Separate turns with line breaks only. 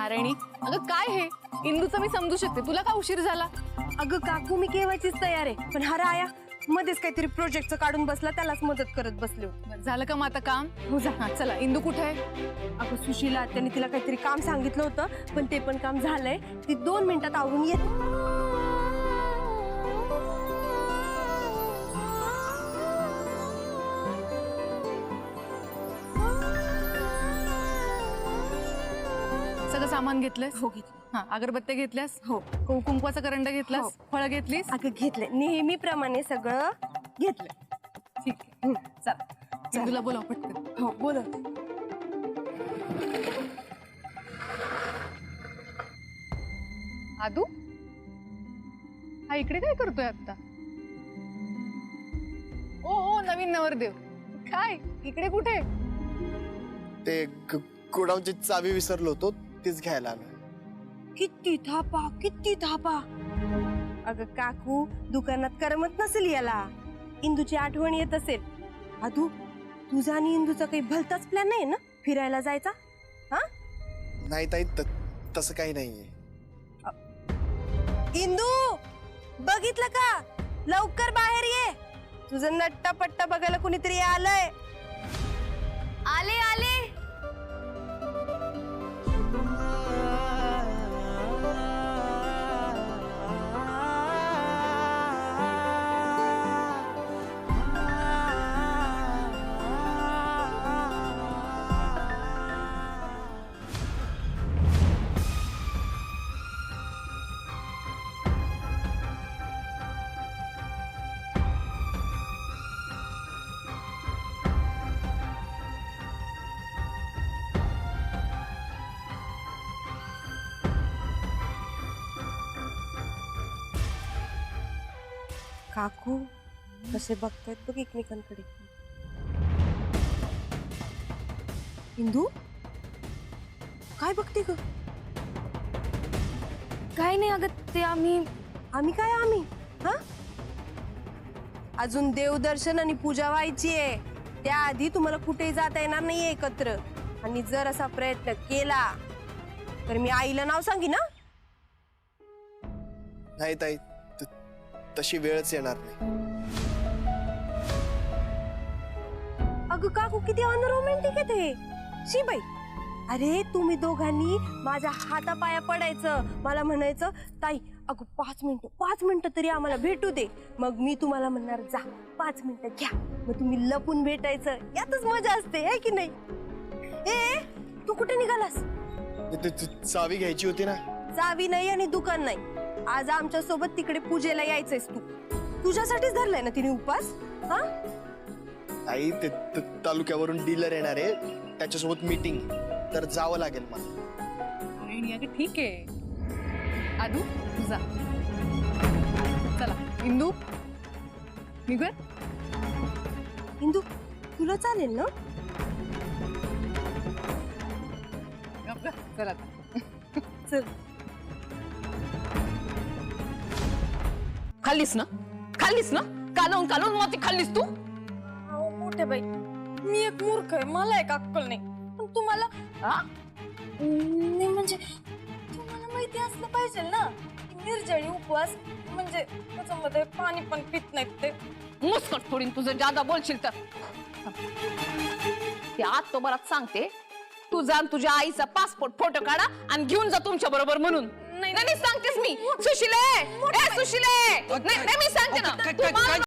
नारायणी, अगं काय हे? इंदूचं मी समजू शकते, तुला का उशीर झाला?
अगं काकू मी केव्हाचीच तयार आहे, पण हा राया मध्येच काहीतरी प्रोजेक्टचं काढून बसला, त्यालाच मदत करत बसले होते.
झालं का मग आता काम?
हो जा.
हा, चला. इंदू कुठे आहे?
अगं सुशीला त्यांनी तिला काहीतरी काम सांगितलं होतं, पण ते पण काम झालंय. ती 2 मिनिटात आवरून येते.
सगळं सामान घेतलंस?
हो घेतलं.
हा, अगरबत्त्या घेतल्यास?
हो.
कुंकवाचा करंडा घेतलास?
हो.
फळं घेतलीस?
अगं घेतलंय, नेहमीप्रमाणे सगळं घेतलंय.
ठीक आहे. चला, इंदूला बोलाव पटकन.
हो बोल.
आदू, हा इकडे काय करतोय आता? ओ नवीन नवरदेव, काय इकडे कुठे?
ते गोडाऊनची चावी विसरलो होतो, तीच घ्यायला आलो.
किती थापा. अगं काकू दुकानात करमत नसेल याला, इंदूची आठवण येत असेल. आदू तुझा आणि इंदूचा काही भलताच प्लॅन नाही ना फिरायला जायचा? हा
नाही ताई, तसं काही नाहीये.
इंदू बघितलं का? लवकर बाहेर ये, तुझं नट्टा पट्टा बघायला कुणीतरी आलंय. आले आले. काकू कसे बघतायत बघ एकमेकांकडे. इंदू काय बघते ग? काय नाही अगं, ते आम्ही हा अजून देवदर्शन आणि पूजा व्हायची आहे. त्याआधी तुम्हाला कुठेही जाता येणार नाहीये एकत्र, आणि जर असा प्रयत्न केला तर मी आईला नाव सांगी ना.
नाही ताई, तशी वेळच येणार नाही.
अगं काकू किती अनरोमॅन्टिक आहे ते. शी बाई, अरे तुम्ही दोघांनी माझ्या हातापाया पडायचं, मला म्हणायचं ताई अगं 5 मिनिटं तरी आम्हाला भेटू दे. मग मी तुम्हाला म्हणणार जा 5 मिनिटं घ्या, मग तुम्ही लपून भेटायचं. यातच मजा असते है की नाही? ए तू कुठे निघालास?
चावी घ्यायची होती ना.
चावी नाही आणि दुकान नाही. आज आमच्या सोबत तिकडे पूजेला यायचंयस तू. तुझ्यासाठीच धरलाय ना तिने उपास. हा
ताई, ते तालुक्यावरून डीलर येणार आहे, त्याच्यासोबत मीटिंग, तर जावं लागेल मला.
नारायणी, अगं ठीक आहे. आदू जा. चला इंदू निघूया.
इंदू तुला चालेल ना?
चला आता.
चल.
खाल्लीस ना कालवून माती खाल्लीस तू.
मोठे बाई, मी एक मूर्ख आहे, मला एक अक्कल नाही. पण तुम्हाला नाही म्हणजे तुम्हाला माहिती असलं पाहिजे ना, निर्जळी उपवास म्हणजे त्याच्यामध्ये पाणी पण पित नाहीत ते.
मुस्कट फोडीन तुझं जादा बोलशील तर. ते आज तो बराच सांगते, तू जा तुझ्या आईचा पासपोर्ट फोटो काढा आणि घेऊन जा तुमच्या बरोबर म्हणून. नाही सांगतेस मी. सुशिले, सुशिले, नाही मी सांगते ना.